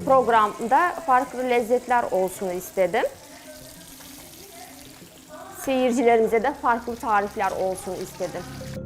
programda farklı lezzetler olsun istedim. Seyircilerimize de farklı tarifler olsun istedim.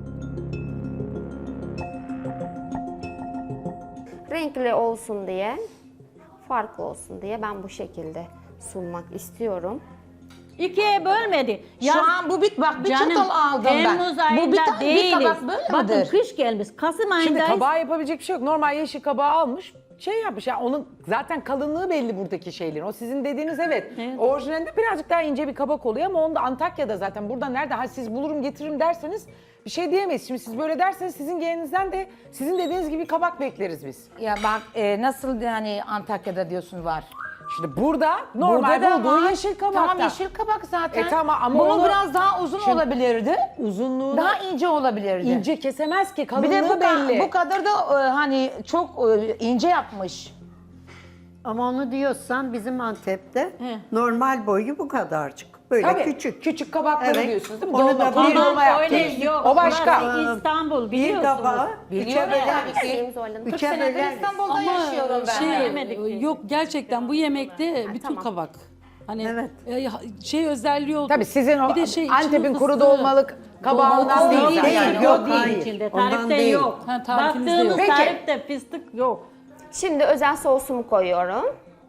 Renkli olsun diye, farklı olsun diye ben bu şekilde sunmak istiyorum. İkiye bölmedi. Şu an bu bak bir Canım, çatal aldım ben. Temmuz Bu ayında bir değiliz. tabak böyle Bakın midir? kış gelmiş. Kasım Şimdi ayındayız. kabağa yapabilecek bir şey yok. Normal yeşil kabağı almış, şey yapmış. Yani onun zaten kalınlığı belli buradaki şeylerin. O sizin dediğiniz evet. Evet. Orijinalinde birazcık daha ince bir kabak oluyor ama onu da Antakya'da zaten. Burada nerede? Ha siz bulurum getiririm derseniz bir şey diyemeyiz. Şimdi siz böyle derseniz sizin gelinizden de sizin dediğiniz gibi kabak bekleriz biz. Ya bak nasıl yani Antakya'da diyorsun var. Şimdi burada normal Burada da bulduğun var. yeşil kabakta. Tamam yeşil kabak zaten. Tamam ama bunun onu- biraz daha uzun Şimdi- olabilirdi. Uzunluğunu Daha ince olabilirdi. ince kesemez ki. Kalınlığı Bir de belli. bu kadar da hani çok ince yapmış. Ama onu diyorsan bizim Antep'te He. normal boyu bu kadarcık. Böyle Tabii, küçük. küçük kabakları Evet. diyorsunuz değil mi? Onu Dolma, da kuru bir- dolma Ondan öyle yaptınız. yok. O başka. Burası İstanbul Bir biliyorsunuz. kabağı üçe Biliyorum böler. Söyleyeyim Zuhal Hanım. Üçe senedir böler. İstanbul'da yaşıyorum ben. Şey, Yemedik ki. yok gerçekten bu yemekte bütün tamam. kabak. Hani Evet. şey özelliği oldu. Tabii sizin o Bir de şey, Antep'in içinin kuru fıstığı. dolmalık kabağından Dolmalık değil. değil, yani. değil, Yok, yok, değil hayır. içinde. Ondan Tarifte değil. yok. Ha, tarifinizde Baktığımız yok. Peki. tarifte fıstık yok. Şimdi özel sosumu koyuyorum.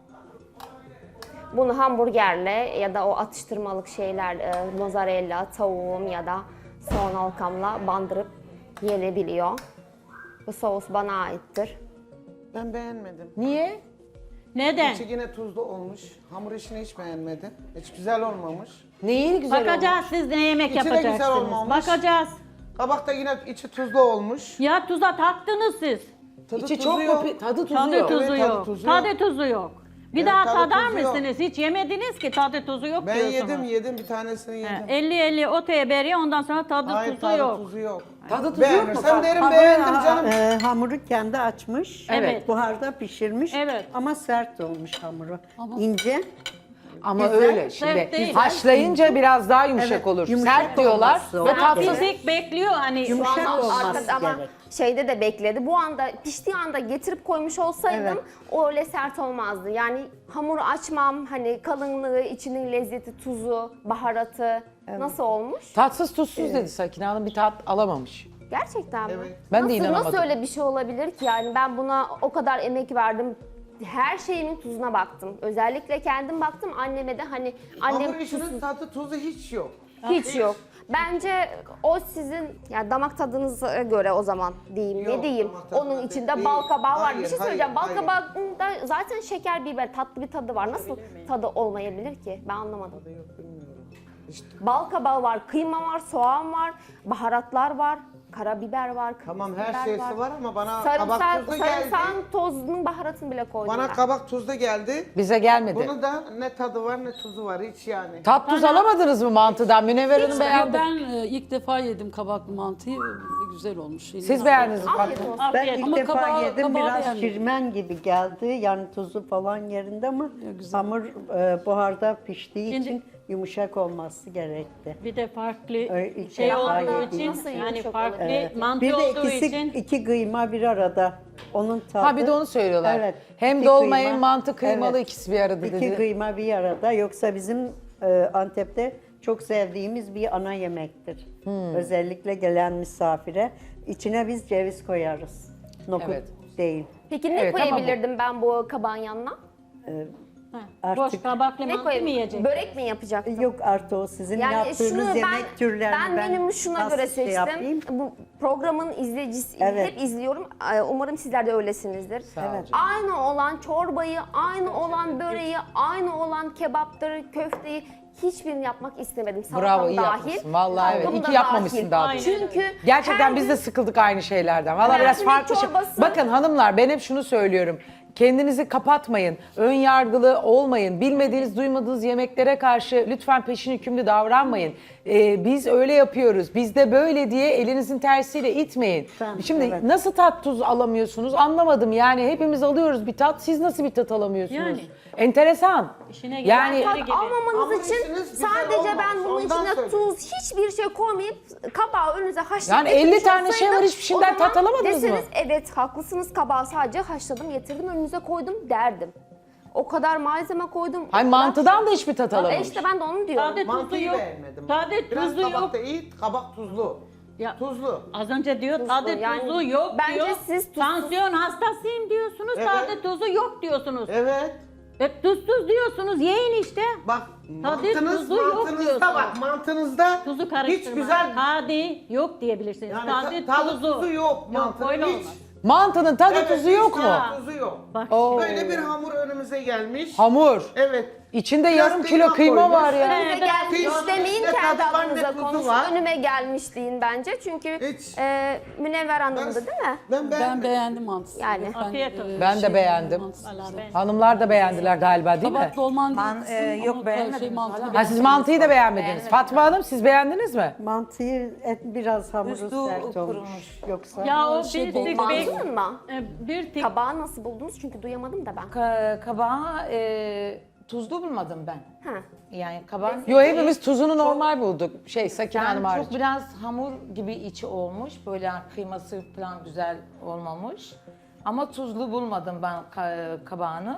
Bunu hamburgerle ya da o atıştırmalık şeyler, mozzarella, tavuğum ya da soğan halkamla bandırıp yenebiliyor. Bu sos bana aittir. Ben beğenmedim. Niye? Neden? İçi yine tuzlu olmuş. Hamur işini hiç beğenmedim. Hiç güzel olmamış. Neyi güzel Bakacağız siz ne yemek İçi de güzel yapacaksınız. olmamış. Bakacağız. Kabak da yine içi tuzlu olmuş. Ya tuza taktınız siz. Tadı İçi tuzu çok yok. mu? Tadı tuzu Tadı yok. tuzu Evet, tadı yok. tuzu Tadı yok. tuzu yok. Bir Evet, daha tadı tadar tuzu yok. mısınız? Hiç yemediniz ki tadı tuzu yok Ben diyorsunuz. yedim bir tanesini yedim. 50-50 otaya beriyor ondan sonra tadı Hayır tuzu tadı yok. tuzu yok. Tadı tuzu yok mu? Beğenirsem derim Hamuru- beğendim canım. Hamuru kendi açmış. Evet. Buharda pişirmiş. Evet. Ama sert olmuş hamuru. İnce. Ama Güzel. öyle şimdi. Sert değil. Haşlayınca biraz daha yumuşak Evet, olur. yumuşak Sert diyorlar olması o. ve tatlı. Fizik bekliyor hani Yumuşak şu an- olması Arkada ama gerek. şeyde de bekledi. Bu anda piştiği anda getirip koymuş olsaydım Evet. o öyle sert olmazdı. Yani hamuru açmam, hani kalınlığı, içinin lezzeti, tuzu, baharatı nasıl olmuş? Tatsız tuzsuz dedi Sakine Hanım, bir tat alamamış. Gerçekten mi? Evet. Ben de Nasıl, inanamadım. Nasıl öyle bir şey olabilir ki? Yani ben buna o kadar emek verdim. Her şeyimin tuzuna baktım. Özellikle kendim baktım. Anneme de hani annem Hamur işinin tuzsuz tadı tuzu hiç yok. hiç yok. Bence o sizin yani damak tadınıza göre o zaman diyeyim. Yok, Ne diyeyim? damak tadına Onun içinde değil. bal kabağı var. Hayır, Bir şey hayır, söyleyeceğim. Bal hayır. kabağında zaten şeker, biber, tatlı bir tadı var. Nasıl tadı olmayabilir ki? Ben anlamadım. Bal kabağı var, kıyma var, soğan var, baharatlar var, karabiber var, kırmızı Tamam biber her şeysi var ama bana kabak tuzlu geldi. Sarımsağın tozunun baharatını bile koydum Bana ben. kabak tuzlu geldi. Bize gelmedi. Bunu da ne tadı var ne tuzu var hiç yani. Tat tuz alamadınız mı mantıdan? Münevver Hanım beğendi. Ben ilk defa yedim kabaklı mantıyı. Güzel olmuş. Siz beğendiniz mi? Afiyet olsun. Ben Afiyet. ilk Ama defa kabağı- yedim. kabağı Biraz beğenmedim. şirmen gibi geldi. Yani tuzu falan yerinde ama güzel. hamur buharda piştiği Şimdi- için yumuşak olması gerekti. bir de farklı ilk şey defa olduğu yedim. için Nasıl yani yumuşak farklı olabilir? mantı Bir de olduğu ikisi için iki kıyma bir arada. Onun tadı. Ha bir de onu söylüyorlar. Evet, Hem iki dolma kıyma. hem mantı kıymalı Evet. ikisi bir arada İki dedi. kıyma bir arada. Yoksa bizim Antep'te çok sevdiğimiz bir ana yemektir. Özellikle gelen misafire. İçine biz ceviz koyarız. Nokut Evet. değil. Peki ne Evet, ama bu- koyabilirdim ben bu kabağın yanına? boş Artık kabaklı Ne mantı mı koyayım? yiyecek? Börek mi yapacaktım? yok artı o sizin Yani yaptığınız şunu yemek türlerini ben menümü şuna nasıl göre şey seçtim. yapayım? Bu programın izleyicisi Evet. hep izliyorum. Umarım sizler de öylesinizdir. Evet. Aynı olan çorbayı, aynı olan böreği, aynı olan kebapları, köfteyi hiçbirini yapmak istemedim. Salatam Bravo, iyi dahil. yapmışsın. Vallahi evet. tavuğum İyi da ki yapmamışsın dahil. daha doğrusu. Çünkü Gerçekten her biz gün- de sıkıldık aynı şeylerden. Valla biraz Mercimek farklı şey. çorbası. Bakın hanımlar ben hep şunu söylüyorum. Kendinizi kapatmayın. Ön yargılı olmayın. Bilmediğiniz, duymadığınız yemeklere karşı lütfen peşin hükümlü davranmayın. biz öyle yapıyoruz, biz de böyle diye elinizin tersiyle itmeyin. Şimdi nasıl tat tuz alamıyorsunuz anlamadım. Yani hepimiz alıyoruz bir tat, siz nasıl bir tat alamıyorsunuz? Yani. Enteresan. İşine Yani gelen Tat gibi. almamanız Hamur için işiniz güzel sadece ben olmamış, bunun ondan içine söylüyorum. tuz, hiçbir şey koymayıp kabağı önünüze haşlayıp Yani 50 getirmiş tane şey var, olsaydım, hiçbir şeyden o zaman tat alamadınız mı? deseniz, evet haklısınız, kabağı sadece haşladım, getirdim, önünüze koydum derdim. O kadar malzeme koydum. o Ay kadar mantıdan da hiçbir tat alamamış. İşte ben de onu diyorum. Sade tuzu Mantıyı yok. beğenmedim. Sade Biraz tuzu yok. kabak da iyi, kabak tuzlu. Ya, Tuzlu. Az önce diyor Tuzlu, sade yani tuzu yok bence diyor. siz tuzsuz- Tansiyon hastasıyım diyorsunuz. Evet. Sade tuzu yok diyorsunuz. Evet. Tuzsuz diyorsunuz. Yiyin işte. Bak Tadı tuzu yok mantınızda diyorsun. bak mantınızda Tuzu karıştırma. hiç güzel Sade yok diyebilirsiniz. yani Sade tadı tuzu. tuzu yok mantının öyle hiç. olmaz. Mantının tadı Evet, tuzu hiç yok mu? tadı tuzu yok. Bak Oo. Böyle bir hamur önümüze gelmiş. Hamur. Evet. İçinde Biraz yarım kilo kıyma koymuş. var ya. Önüme gelmiş Kıymanın demeyin, içinde kendi tadı var, adınıza ne tuzu konuşun. var. Önüme gelmiş deyin bence. Çünkü Hiç. Münevver Hanım'dı değil mi? Ben Ben beğendim mantısını. Yani. Afiyet olsun. Ben de beğendim. Valla ben. Hanımlar da beğendiler galiba değil mi? Kabak dolman değil Ben, kızım yok, ama beğenmedim. Şey, mantını Ha siz mantıyı da beğenmediniz. Fatma Hanım siz beğendiniz mi? Mantıyı biraz hamuru Üstü sert olmuş. kurumuş. Yoksa Ya o Şey, bir tek bir, Mantının mı? bir tek Kabağı nasıl buldunuz? Çünkü duyamadım da ben. Kabağı tuzlu bulmadım ben. Ha. Yani kabak Yo hepimiz tuzunu normal bulduk. Sakine Hanım ben hariç. çok biraz hamur gibi içi olmuş. Böyle kıyması falan güzel olmamış. Ama tuzlu bulmadım ben kabağını.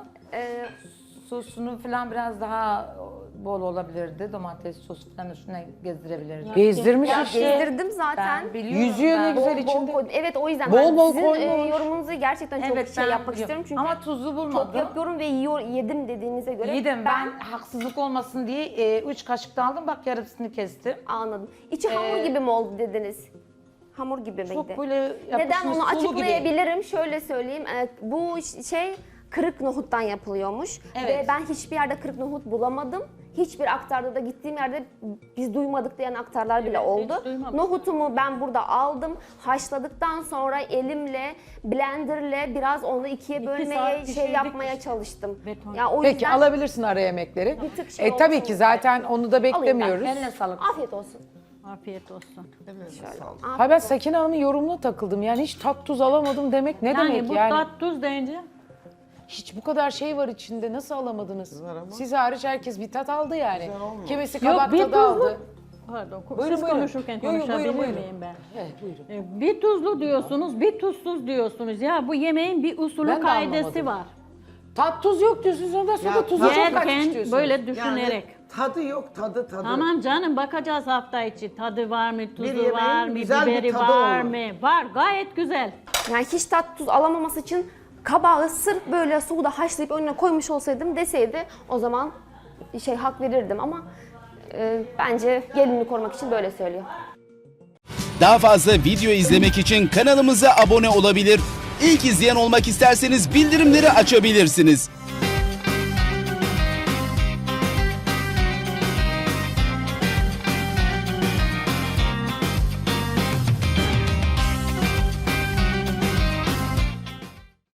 Sosunu falan biraz daha bol olabilirdi. Domates sosu falan üstüne gezdirebilirdi. Gezdirmiş Ya işte. gezdirdim zaten. Ben biliyorum. Yüzüyor ne ben- güzel Bol içinde. koydum. Evet o yüzden Bol ben bol sizin koymuş. yorumunuzu gerçekten çok Evet, şey ben yapmak biliyorum. istiyorum. Çünkü Ama tuzlu çok bulmadım. yapıyorum ve yedim dediğinize göre Yedim ben haksızlık olmasın diye 3 kaşık da aldım. Bak yarısını kestim. anladım. İçi hamur gibi mi oldu dediniz? Hamur gibi miydi? Çok böyle yapışmış Neden onu sulu gibi. açıklayabilirim? Şöyle söyleyeyim. Bu şey kırık nohuttan yapılıyormuş. Evet. Ve ben hiçbir yerde kırık nohut bulamadım. Hiçbir aktarda da gittiğim yerde biz duymadık diyen aktarlar bile oldu. hiç duymadım. Nohutumu ben burada aldım. Haşladıktan sonra elimle, blenderle biraz onu ikiye bölmeye, saat şey pişirdik yapmaya işte. çalıştım. Beton. Ya o Peki yüzden alabilirsin ara yemekleri. Bir tık şey Tabii olsun ki diye. zaten onu da beklemiyoruz. Eline sağlık. afiyet olsun. Afiyet olsun. Ha ben Sakine Hanım'ın yorumuna takıldım. Yani hiç tat tuz alamadım demek ne Yani demek bu yani? tat tuz deyince Hiç bu kadar şey var içinde nasıl alamadınız? Siz hariç herkes bir tat aldı yani. Kimisi Yok, kabak bir tadı tuzlu. aldı. Pardon, Buyurun, siz buyurun. konuşurken Yo, yo, buyurun, konuşabilir buyurun. miyim ben? Evet buyurun. Bir tuzlu diyorsunuz, bir tuzsuz diyorsunuz. Ya bu yemeğin bir usulü Ben de kaidesi anlamadım. var. Tat tuz yok diyorsunuz ondan sonra Ya, tuzu çok kaçmış Yerken diyorsunuz. böyle düşünerek. tadı yok tadı. Tamam canım bakacağız hafta içi. Tadı var mı, tuzu yemeğin var mı, güzel bir biberi tadı var olur. mı? Var, gayet güzel. Yani hiç tat tuz alamaması için kabağı sırf böyle suda haşlayıp önüne koymuş olsaydım deseydi o zaman hak verirdim ama bence gelinini korumak için böyle söylüyor. Daha fazla video izlemek için kanalımıza abone olabilir. İlk izleyen olmak isterseniz bildirimleri açabilirsiniz.